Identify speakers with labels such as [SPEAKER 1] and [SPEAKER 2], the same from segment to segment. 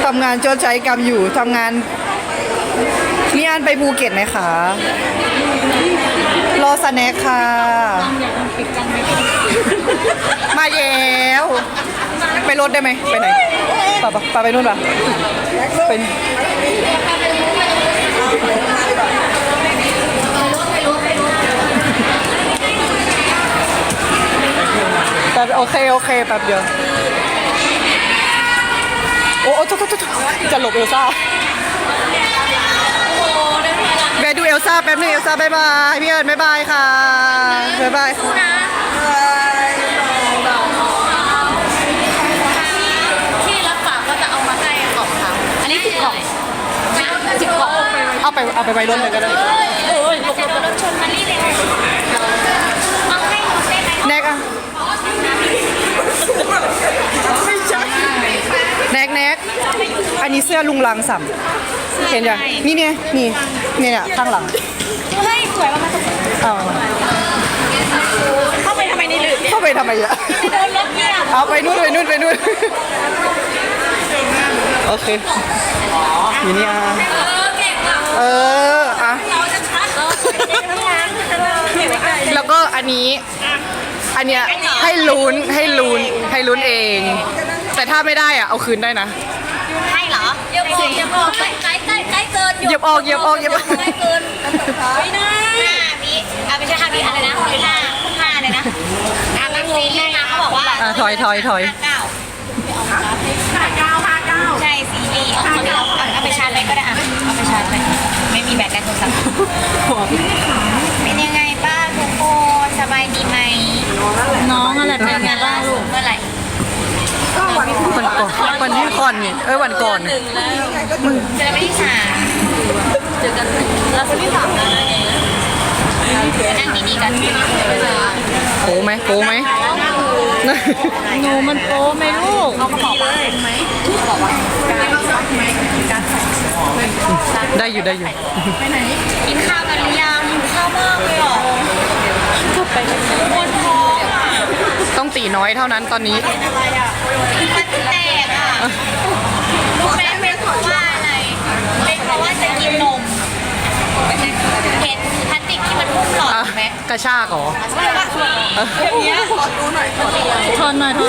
[SPEAKER 1] ำงานชดใช้กรรมอยู่ทำงานมีอันไปภูเก็ตไหมคะรอสแน็คค่ะมาแล้วไปรถได้ไหมไปไหนป่าไปนู่นป่ะเป็นแต่โอเคแป๊บเดียวโอ้จะหลบเอลซ่าแวะดูเอลซ่าแป๊บนึงเอลซ่าบ๊ายบายพี่เอิญบ๊ายบายค่ะบ๊ายบาย
[SPEAKER 2] ที่รับฝากก็จะเอามาให้กล่องค่ะอันนี้10 กล่อง10 กล่อง
[SPEAKER 1] เอาไปไว้รถเลยก็ได้
[SPEAKER 2] รถชนมาลี่เลยเอาให้หมดได้ไหม
[SPEAKER 1] แน็กอะแน็กอันนี้เสื้อลุงลังสัมเห็นยังนี่เนี่ยข้างหลัง
[SPEAKER 2] เฮ้ยสวยมากเข้าไปทำไมนี่หรือ
[SPEAKER 1] เข้าไปทำไมอะ
[SPEAKER 2] โดนรถเนี่ย
[SPEAKER 1] เอาไปนู่นโอเคอยู่นี่
[SPEAKER 2] เก่งอ่ะ
[SPEAKER 1] อะ
[SPEAKER 2] เราจะชัด
[SPEAKER 1] แล้วก็อันเนี้ยให้ลุ้นเองแต่ถ้าไม่ได้อะเอาคืนได้นะ
[SPEAKER 2] ให้เหรอเยียบออกใกล้เกิน
[SPEAKER 1] เยียบออก
[SPEAKER 2] ใกล้เกินไม่ได้5 วิไม่ใช่5 วิอะไรนะ5เลยนะบางซีรีส์มาเขาบอกว่า
[SPEAKER 1] ถอย
[SPEAKER 2] 59ใช่ซีรีส์เอาไปชาร์จไปก็ได้เอาไปชาร์จไปไม่มีแบตในโทรศัพท์เป็นยังไงบ้างทุกคนสบายดีไหมน้องอะไรเป็นไงบ้างลูกเมื่อไหร่
[SPEAKER 1] วันที่ก่อนนี่วันก่อน
[SPEAKER 2] เจอไม่ที่3เจอกันเราคนที่3แล้วนะนั่งดีๆกัน
[SPEAKER 1] โป้ไหม
[SPEAKER 2] หนูมันโป้ไหมลูกเขาก็บอกว่าไหมบอกว่า
[SPEAKER 1] ได้อยู่
[SPEAKER 2] ไปไหนกินข้าวกันหรือยังข้าวมากเลยหรอปวดท้องอ่ะ
[SPEAKER 1] ต้องตีน้อยเท่านั้นตอนนี้
[SPEAKER 2] มันแตกอ่ะรู้ไหมเป็นเพราะว่าอะไรเป็นเพราะว่าจะกินนมเห็นพลาสติกที่มันพุ่งหลอดไหม
[SPEAKER 1] กระชากเหรอ
[SPEAKER 2] ใช่ป่ะอย่างเงี้ยขอดูหน่อยทนหน่อย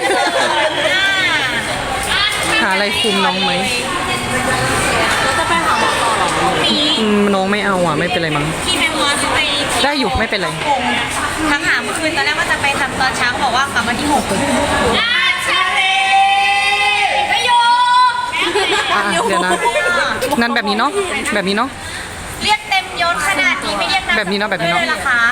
[SPEAKER 1] หาอะไรคุมน้องไหม
[SPEAKER 2] แล้วจะไปหาหมอต่อหรอ
[SPEAKER 1] น้องไม่เอาไม่เป็นไรมั้ง
[SPEAKER 2] พี่แมมมอสไป
[SPEAKER 1] ได้อยู่ไม่เป็นไร
[SPEAKER 2] ทั้งหาเมื่อคืนตอนแรกว่าจะไปทำตอนเช้าบอกว่ากลับมาที่6ชาลีไม่ยอม
[SPEAKER 1] เดี๋ยวนะนั่นแบบนี้เนาะ
[SPEAKER 2] เรียกเต็มยศขนาดนี้ไม่เรียก
[SPEAKER 1] แบบนี้เนาะ
[SPEAKER 2] เลยล่ะคะ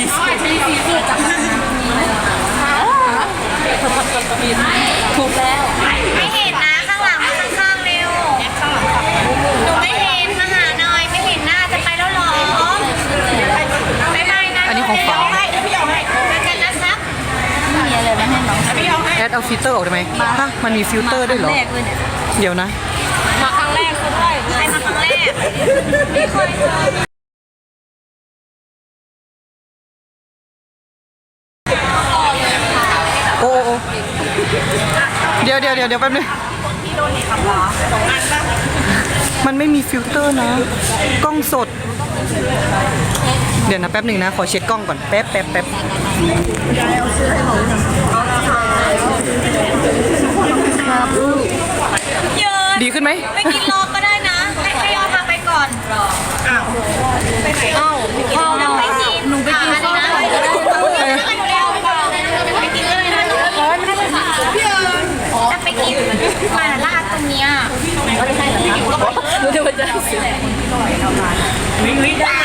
[SPEAKER 2] ถูกแล้วไม่เห็นนะข้างหลังข้างๆเร็วหนูไม่เห็นมาหาหน่อยไม่เห็นหน้าจะไปแล้วหรอบ๊ายบายนะ
[SPEAKER 1] อันนี้ของฟ้า
[SPEAKER 2] เจอกันนะครับมีอะไรมาให้น้อง
[SPEAKER 1] แอดเอาฟิลเตอร์ออกได้ไหมมันมีฟิลเตอร์ด้วยเหรอเดี๋ยวนะ
[SPEAKER 2] มาครั้งแรกคุณด้วยใช่มาครั้งแรกไม่เคย
[SPEAKER 1] โอ้เดี๋ยวแป๊บนึงมันไม่มีฟิลเตอร์นะกล้องสดเดี๋ยวนะแป๊บหนึ่งนะขอเช็ดกล้องก่อนแป๊บดีขึ้นไหม
[SPEAKER 2] ไปกินรอก็ได้นะให้ยอพาไปก่อนไปไหนไปกินหนูไปกินข้าวนะไปกินเลยนะจะไปกินมาลาดตรงนี้รู้จะมาจะเสียวิ่งได้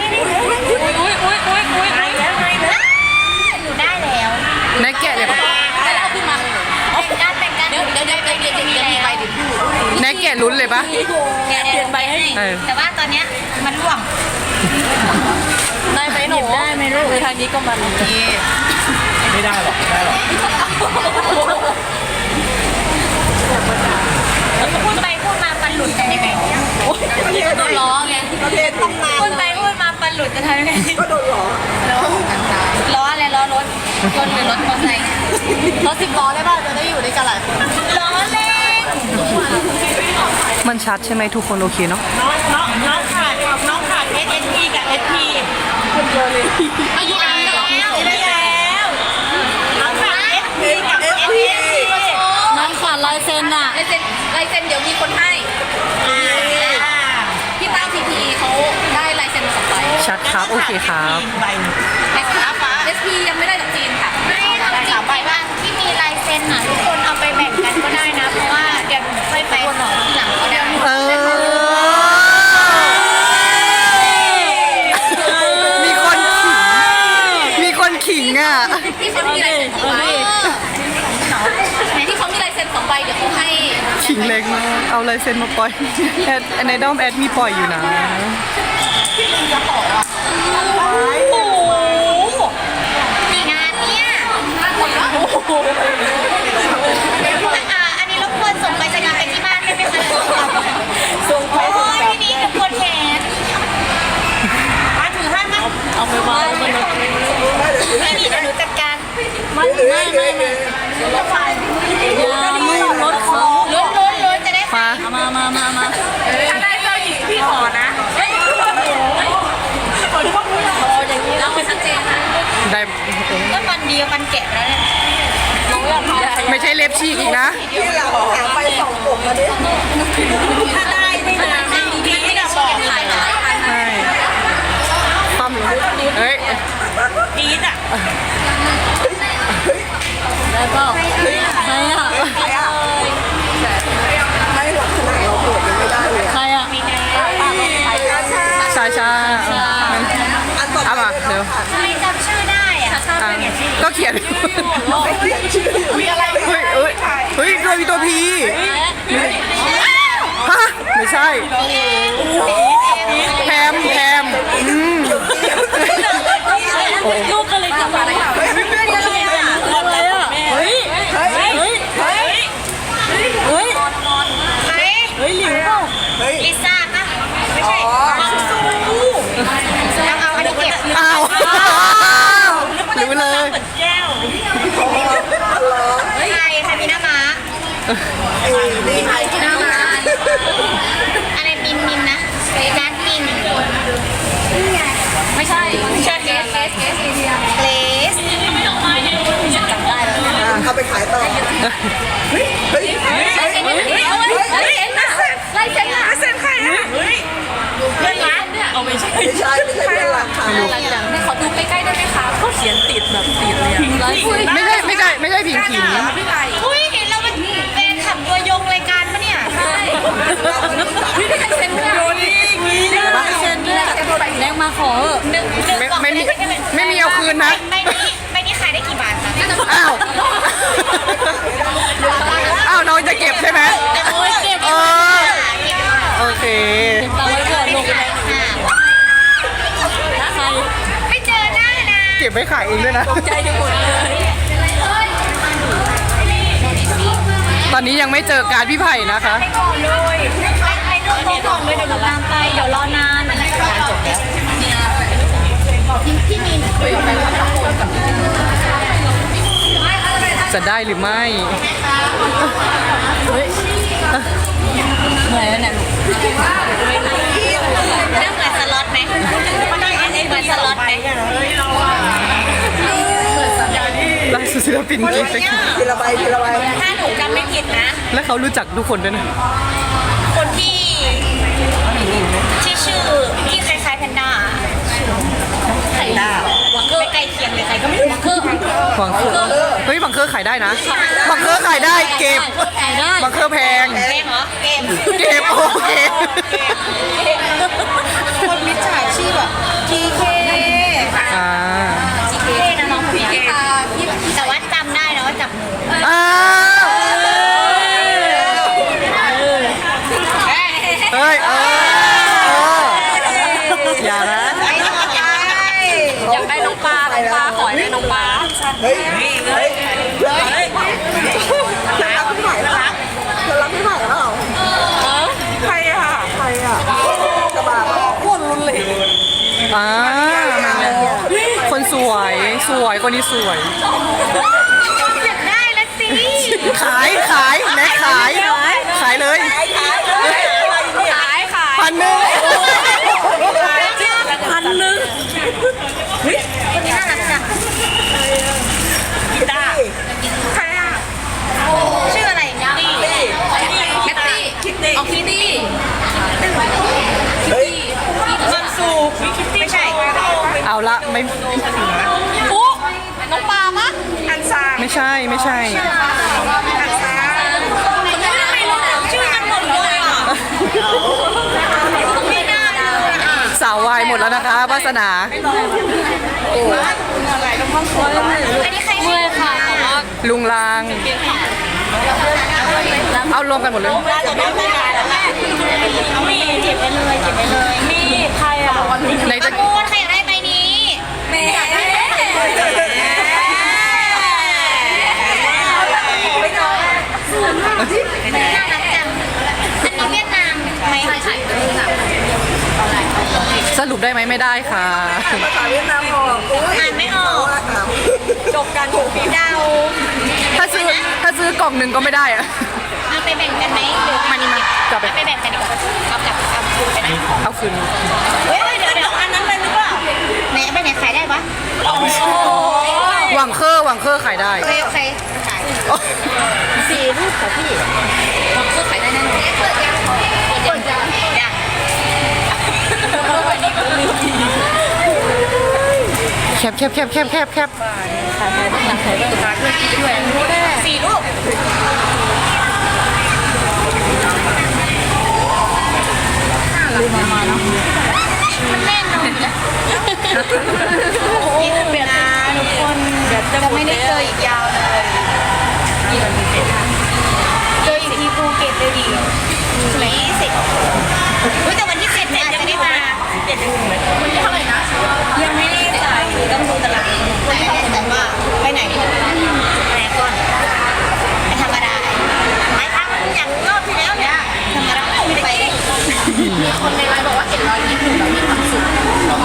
[SPEAKER 2] หนูได้แล้ว
[SPEAKER 1] นายแกะเลยปะ
[SPEAKER 2] แล้วขึ้นมาแต่งกันเดี๋ยวมีใบดิบ
[SPEAKER 1] นายแกะลุ้นเลยปะ
[SPEAKER 2] เปลี่ยนใบให้แต่ว่าตอนเนี้ยมันร่วงได้ไหมหนูได้ไหมลูกทางนี้ก็มัน
[SPEAKER 3] ไม่ได้หรอก
[SPEAKER 2] พูดไปพูดมาปันหลุดจะยังไงโดนล้อไงพูดไปพูดมาปันหลุดจะทำยังไง
[SPEAKER 3] ก็โดน
[SPEAKER 2] ล้ออะไรล้อรถหรือรถมอเตอร์ไซค์รถ10 ล้อได้ป่ะจะได้อยู่ด้วยกันหลายคนล้อเล่น
[SPEAKER 1] ชัดใช่ไหมทุกคนโอเคเนาะ
[SPEAKER 4] น้องขาดSSP กับ SP คนเดียวเลยอายุอะไรแล้วน้องขาด SP กับ SP
[SPEAKER 5] น้องขาดลายเซ็นอะลายเซ็นเดี๋ยวมีคนให้พี่ตั้งพีพีเขาได้ลายเซ็นมา2ใบ
[SPEAKER 1] ชัดครับโอเคครับ
[SPEAKER 4] ใบหนึ่ง
[SPEAKER 5] SP ยังไม่ได้จากจีนค่ะ
[SPEAKER 2] ไม่เอาจริงไปบ้างที่มีลายเซ็นอ่ะทุกคนเอาไปแบ่งกันก็ได้นะเพราะว่าเดี๋ยวหนูค่อยไปขอทีหลังก็ได้
[SPEAKER 1] เอมีคนขิงมีคนขิงอ่ะ
[SPEAKER 5] ที่เขามีลายเซ็น2ใบที่เขามีลายเซ็น2ใบเดี๋ยวเขาให้
[SPEAKER 1] ขิงเล็กมากเอาลายเซ็นมาปล่อยแอดในด้อมแอดมีปล่อยอยู่นะ
[SPEAKER 2] งานเนี้ยอันนี้รบกวนส่งไปจะไปที่บ้านได้ไหมคะส่งไปที่นี่รบกวนแขน
[SPEAKER 4] มาถือให้มั้ย
[SPEAKER 5] เอาไปวางบนรถ
[SPEAKER 2] ที่นี่เดี๋ยวหนูจัดการ
[SPEAKER 5] ไม่รถเขา
[SPEAKER 2] ลุ้นจะได้
[SPEAKER 1] มา
[SPEAKER 5] มา
[SPEAKER 4] ถ้าได้เจ้าหญิงพี่ขอนะ
[SPEAKER 5] เราไปชัดเจนนะ
[SPEAKER 1] ได้
[SPEAKER 2] ก็ปันเดียวปันแกะแล้วเนี่ย
[SPEAKER 1] ไม่ใช่เล็บฉีกอีกนะ
[SPEAKER 4] ถ้าได้ไม่นานพี่ไม่ได้บอก
[SPEAKER 5] ขายหลายพัน
[SPEAKER 1] ใช่ปั้มเฮ้ย
[SPEAKER 4] ปี๊ดอ่ะ
[SPEAKER 5] ได้เปล่าใครอะใครอะ
[SPEAKER 1] ชาเอามาเดี๋ยว
[SPEAKER 2] ทำไมจำชื่อได้อะ
[SPEAKER 1] อ่ะก็เขียนเฮ้ยตัวมีตัวพีฮะไม่ใช่แพม
[SPEAKER 5] ลูกก็เลยกลับมาอะไรอะเฮ้ยหลิวเปล่า
[SPEAKER 2] ลิซ่าปะไม่ใช่เอาอันนี้เก็บ
[SPEAKER 1] อ้าวรู้เลย
[SPEAKER 4] แก้ว
[SPEAKER 2] ใครมีหน้าม้าอะไรมินนะนัดมิน
[SPEAKER 5] ไม่ใช่เกสเอเดีย
[SPEAKER 2] เลส
[SPEAKER 5] จำได้แล้ว
[SPEAKER 6] เอาไปขายต่อ
[SPEAKER 5] ลายเซ็นน่ะลายเซ็นน่ะ
[SPEAKER 4] เส้นใครอ่ะเฮ้ยเพื่อนรักเนี่ยเอาไม่ใช่
[SPEAKER 6] ไม่ใช่เพื่อนหลักขาย
[SPEAKER 5] หลังๆขอดูใกล้ๆได้ไหมคะเขาเขียนติดแบบติดเลยอะ
[SPEAKER 1] ไม่ใช่ผิงขิง
[SPEAKER 2] อุ้ยเห็นเราเป็นแฟนขับตัวยงรายการปะเนี่ย
[SPEAKER 5] ใช่พี่ได้เซ็นด้วยได้เซ็นด้วยแรงมาขอ
[SPEAKER 2] หนึ่งกล่อง
[SPEAKER 1] ไม่มีเอาคืนนะ
[SPEAKER 2] ใบนี้ขายได้กี่บาทคะ
[SPEAKER 1] อ้าวน้องจะเก็บใช่ไหม
[SPEAKER 5] โอ้ยเก็บ
[SPEAKER 1] เออโอเค
[SPEAKER 5] ตาไว้ก่อนลง
[SPEAKER 2] ขายค่ะ
[SPEAKER 5] ใคร
[SPEAKER 2] ไม่เจอหน้านะ
[SPEAKER 1] เก็บไว้ขายเองด้วยนะ
[SPEAKER 5] ใจจะหมดเลย
[SPEAKER 1] ตอนนี้ยังไม่เจอการพี่ไผ่นะคะ
[SPEAKER 2] ไปก่อนเลยไปร่วมโต๊ะก่อนเลยเดี๋ยวหนูตามไปเดี๋ยวรอนานงานจบแล้วพี่มีน
[SPEAKER 1] จะได้หรือไม่
[SPEAKER 5] เหนื่อยแล้วเนี่ย
[SPEAKER 2] น่าเหมือนสล็อตไหมเหมือนสล็อตไหม
[SPEAKER 1] ล่าสุดศิลปินจริง
[SPEAKER 6] ทีละใบ
[SPEAKER 2] ถ้าหนูจำไม่ผิดนะ
[SPEAKER 1] และเขารู้จักทุกคนด้วยนะ
[SPEAKER 2] คนที่ชื่อที่คล้ายๆแพนด้า
[SPEAKER 5] ไข่ดาว
[SPEAKER 2] ไม่ใกล้เคียงเลยใครก็ไม่รู้
[SPEAKER 5] คือ
[SPEAKER 1] บังเคอร์เฮ้ยบังเคอร์ขายได้นะบังเคอร์ขายได้เก็บ
[SPEAKER 5] ขายได้
[SPEAKER 1] บังเคอร์แพง
[SPEAKER 2] เกมเหรอเกม
[SPEAKER 1] เก็บโอเค
[SPEAKER 6] คนมิจฉาชีพอ่ะ
[SPEAKER 2] GK
[SPEAKER 1] อ่า
[SPEAKER 2] GK นะน้องคนนี้แต่ว่าจำได้นะว่าจับมือ
[SPEAKER 1] อ้าวเฮ้ยอย่านะ
[SPEAKER 5] อยากได้น้องปลาขอให้น้องปลา
[SPEAKER 6] เฮ้ยรับไม่ไหวแล้วเธอรับไม่ไหวแล้ว
[SPEAKER 4] ใครอ่ะ
[SPEAKER 6] กระบะโคตรรุนเลย
[SPEAKER 1] อ่าคนสวยคนนี้สวย
[SPEAKER 2] อยากได้แล้วสิ
[SPEAKER 1] ขายแน็กขายเลยไม่
[SPEAKER 5] ปุ๊น้องปลามะ
[SPEAKER 6] อันซาง
[SPEAKER 1] ไม่ใช่ไม่ใช่
[SPEAKER 6] อันซาง
[SPEAKER 5] ไม่รู้จักชื่อกันหมดเลยอ่ะไม่น่าเลยอ่ะ
[SPEAKER 1] สาววายหมดแล้วนะคะวาสนา
[SPEAKER 2] อันนี้ใครเมื่อยค่ะ
[SPEAKER 1] ลุงลาง เอารวมกันหมดเลย
[SPEAKER 2] มีเจ็บไปเลยเจ็บไปเลยมีใครอ่ะ
[SPEAKER 1] ไหนจะ
[SPEAKER 2] กูใครอยากได้ใบนี้แม่น่ารักจังอันนี้เวียดนามไหมใช่ใช่
[SPEAKER 1] สรุปได้ไหมไม่ได้ค่ะ
[SPEAKER 6] ภาษาเวียดนามออกอุ้ย
[SPEAKER 2] อ่านไม่ออก
[SPEAKER 6] จบการถูกปีด
[SPEAKER 2] เดา
[SPEAKER 1] ถ้าซื้อกล่องหนึ่งก็ไม่ได้อะ
[SPEAKER 2] เอาไปแบ่งกันไหมหรือ
[SPEAKER 1] มานี่มาจับไป
[SPEAKER 2] เอาไปแบ่งกันดีกว่าเอากลับคืนไปนะ
[SPEAKER 1] เอาคืน
[SPEAKER 2] เฮ้ยเดี๋ยวอันนั้นเลยหรือเปล่าไหนไปไหนขายได้ปะ
[SPEAKER 1] หวังเคอร์ขายได้
[SPEAKER 2] โอเคขาย4 รูปค่ะพี่ก็ขายได้แน่นอนเปิดยังยัง
[SPEAKER 1] แคบ
[SPEAKER 2] 4 รูปมันแน่นอนนะนี่คือเปลี่ยนนะทุกคนจะไม่ได้เจออีกยาวเลยเจออีกทีภูเก็ตเลยดิ20แต่วันที่7เนี่ยอาจจะได้มาวันที่เท่าไหร่นะยังไม่ได้จ่ายต้องดูตารางวันที่เท่าไหร่แต่ว่าไปไหนไปก่อนไปธรรมดาไปทางอย่างรอบที่แล้วเนี่ยธรรมดาไม่ไปมีคนในไลน์บอกว่า700ยิ้มหนึ่งเรามีความสุข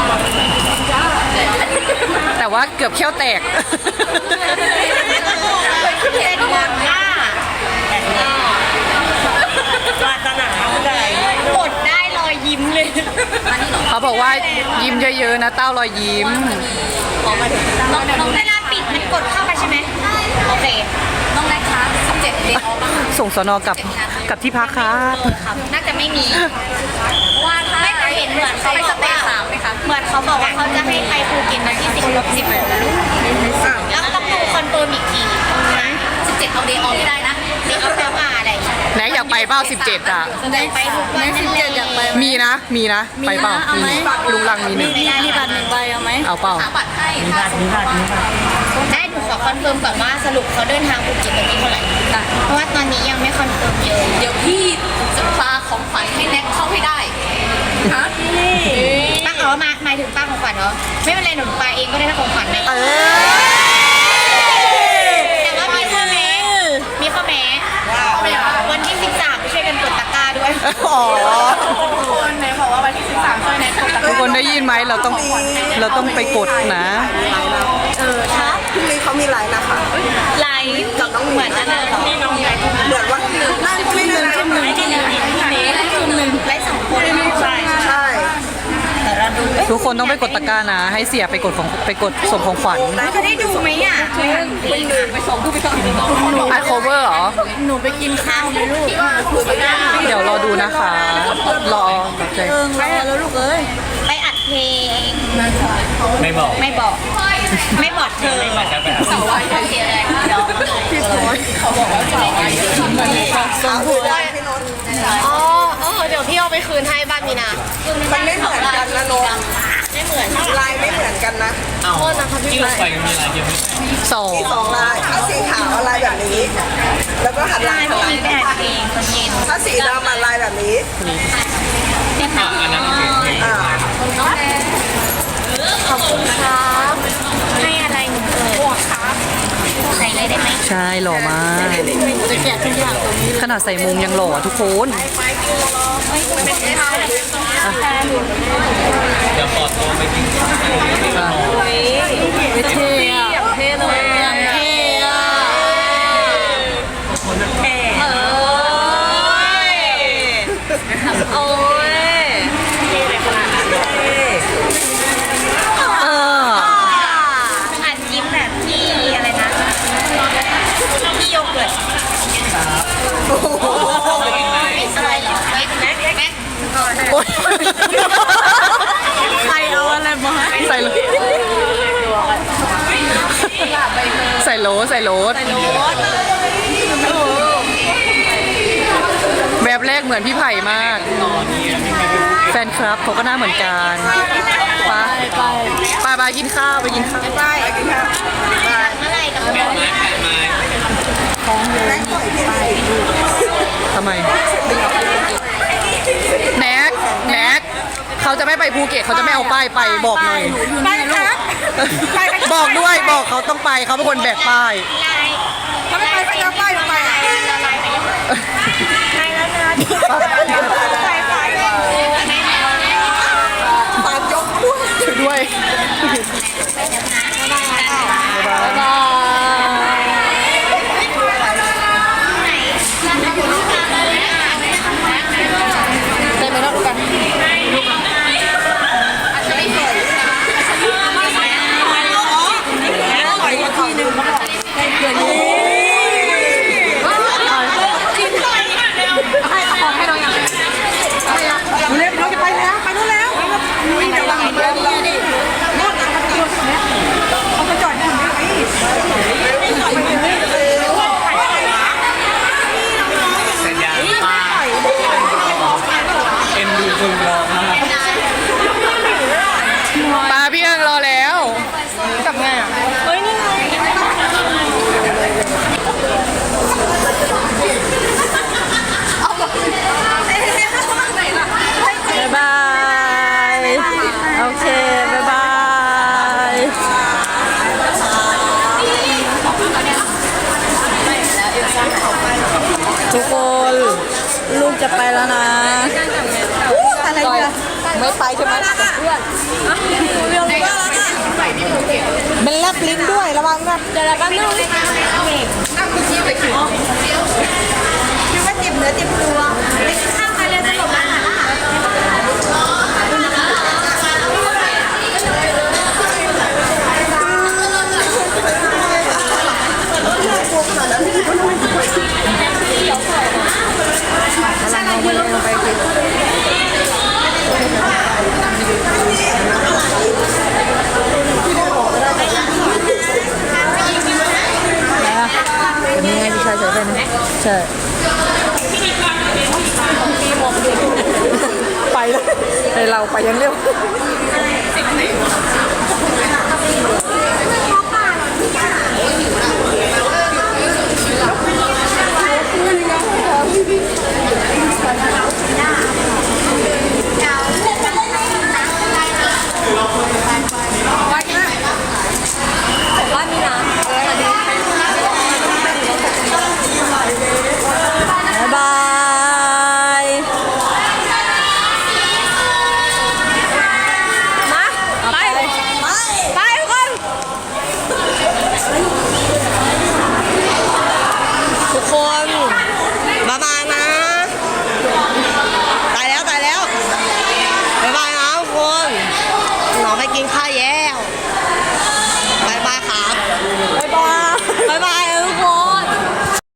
[SPEAKER 1] แต่ว่าเกือบเขี้ยวแตก
[SPEAKER 2] เป็นหมดอ่ะปรารถนาอะไรกดได้รอยยิ้มเลย
[SPEAKER 1] เขาบอกว่ายิ้มเยอะๆนะเต้ารอยยิ้ม
[SPEAKER 2] น้องเวลาปิดมันกดเข้าไปใช่ไหมโอเคน้องได้คะ17 เดือน
[SPEAKER 1] ส่งสนกับที่พักครับ
[SPEAKER 2] น่าจะไม่มีว่าไม่เคยเห็นเหมือนเขาไปสเตย์3ไหมคะเหมือนเขาบอกว่าเขาจะให้ไปภูเก็ตวันที่10 แล้วต้องดูคอนเฟิร์มอีกทีนะ17เอาเดย์ออฟไม่ได้นะเดย์ออฟแปลว่าอะไร
[SPEAKER 1] ไหนอยากไปเป้า17อ่ะ
[SPEAKER 2] ไปทุกวัน17อยากไป
[SPEAKER 1] มีนะไปเปล่ามีลุงลังมีหนึ่ง
[SPEAKER 2] ไม่ได้มีบัตร1 ใบเอาไหม
[SPEAKER 1] เอาเปล่า
[SPEAKER 2] บัตรให้ได้หนูขอคอนเฟิร์มก่อนว่าสรุปเขาเดินทางภูเก็ตวันที่เท่าไหร่เพราะว่าตอนนี้ยังไม่คอนเฟิร์มเยอะเดี๋ยวพี่จะพาของขวัญให้แน็กเข้าให้ได้ฮะป้าอ๋อหมายถึงป้าของขวัญเหรอไม่เป็นไรหนูไปเองก็ได้ถ้าของขวัญนะแต่ว่ามีข้อแม้วันที่13ไปช่วยกันกดตะกร้าด้วย
[SPEAKER 1] อ๋อ
[SPEAKER 4] คนไหนบอกว่าวันที่13ช่วยแน็ก
[SPEAKER 1] ทุกคนได้ยินไหมเราต้องไปกดนะ
[SPEAKER 6] พรุ่งนี้เขามีไลน์นะคะ
[SPEAKER 2] ไลฟ์กับน้องเหมือนอันนั้นเหรอ
[SPEAKER 6] เหมือนว่านั่งไม่ได้ไลน์
[SPEAKER 2] ไลฟ์2 คนใช่
[SPEAKER 6] ใช่
[SPEAKER 1] ทุกคนต้องไปกดตะกร้านะ ให้เสียไปกดส่งของขวัญ
[SPEAKER 2] จะได้ดูไหมอ่ะ
[SPEAKER 1] อัดโคเวอร์เหรอ
[SPEAKER 2] หนูไปกินข้าวไหมลูก
[SPEAKER 1] เดี๋ยวรอดูนะคะ รอแบบใจ
[SPEAKER 2] ไปแล้วลูกเอ้ยไปอัดเพลง
[SPEAKER 3] ไม่บอก
[SPEAKER 2] ไม่บอกเธอ
[SPEAKER 3] ไม่บอกจะไป
[SPEAKER 2] สาววายเสียอะไรพี่พลอยเขาบอกว่าสาววาย
[SPEAKER 6] สาวคือได้พี่นนท์
[SPEAKER 2] เดี๋ยวพี่เอาไปคืนให้บ้านมีนา
[SPEAKER 6] มันไม่เหมือนกันนะนนท์
[SPEAKER 2] ไม่เหมือน
[SPEAKER 6] ลายไม่เหมือนกันนะ
[SPEAKER 3] ที่ลงไปมีอะไรเยอะไหม
[SPEAKER 1] สอง
[SPEAKER 6] มี2 ลายถ้าสีขาวลายแบบนี้ แล้วก็หันหลัง
[SPEAKER 2] พี่ไปอัดเพลงตอนเย็น
[SPEAKER 6] ถ้าสีดำลายแบบนี้
[SPEAKER 3] อันนั้นโอเค
[SPEAKER 6] อ่า
[SPEAKER 2] ขอบคุณครับให้อะไรหนูเอ่ยใส่เลยได้ไหม
[SPEAKER 1] ใช่หล่อมาก
[SPEAKER 2] จะแจกทุกอย่างตรงนี้
[SPEAKER 1] ขนาดใส่มุมยังหล่อทุกคน
[SPEAKER 3] เดี๋ยวขอตัวไปกินข้าว
[SPEAKER 2] เท่อะเท่เลยอะเท่อะโอ้ย อัดยิ้มแบบที่อะไรนะที่โยเกิร์ตอะไรเหรอแม็ก
[SPEAKER 1] โอ๊ย
[SPEAKER 2] ใครเอาอะไรมาให้
[SPEAKER 1] ใส่เลยรถใส่รถแบบแรกเหมือนพี่ไผ่มาก แฟนคลับเขาก็หน้าเหมือนกันไปกินข้าวไปกินข้าว
[SPEAKER 2] เมื่อไหร่กับ
[SPEAKER 3] แปะไม้แปะไม้
[SPEAKER 1] ทำไมแน็กเขาจะไม่ไปภูเก็ตเขาจะไม่เอาป้ายไปบอกหน่อย
[SPEAKER 4] ไปครับ
[SPEAKER 1] บอกด้วยบอกเขาต้องไปเขาเป็นคนแบกป้าย
[SPEAKER 4] ถ้าไม่ไปก็ไปลงไป
[SPEAKER 6] ปากยกด้วย
[SPEAKER 1] ช่วยด้วย บ๊ายบายได้ไหมรอบกัน
[SPEAKER 4] เร็วเราจะไปแล้วไปนู่นแล้วจะวางเรือดิโน่นนะเขาไปจอดอยู่ไหน
[SPEAKER 3] สัญญาณป้าเอ็นดูคนรอมาก
[SPEAKER 1] ปลาพี่เอิงรอแล้วกลับไงอ่ะเฮ้ยนี่ไงบ๊ายบายโอเคบ๊ายบายทุกคนลูกจะไปแล้วนะ
[SPEAKER 6] อะไรเนี่ย
[SPEAKER 1] ไม่ไปใช่ไหมเพื่อน
[SPEAKER 6] เรื่องว่ามันแลบลิ้นด้วยระวังนะเดี๋ยวเราแป๊บนึงคิดว่าเจ็บเนื้อเจ็บตัวไปกินข้าวกันเลยสนุกมาก
[SPEAKER 1] เป็นยังไงพี่ชายใส่ไปนะใช่ไปแล้วไปเราไปยังเร็ว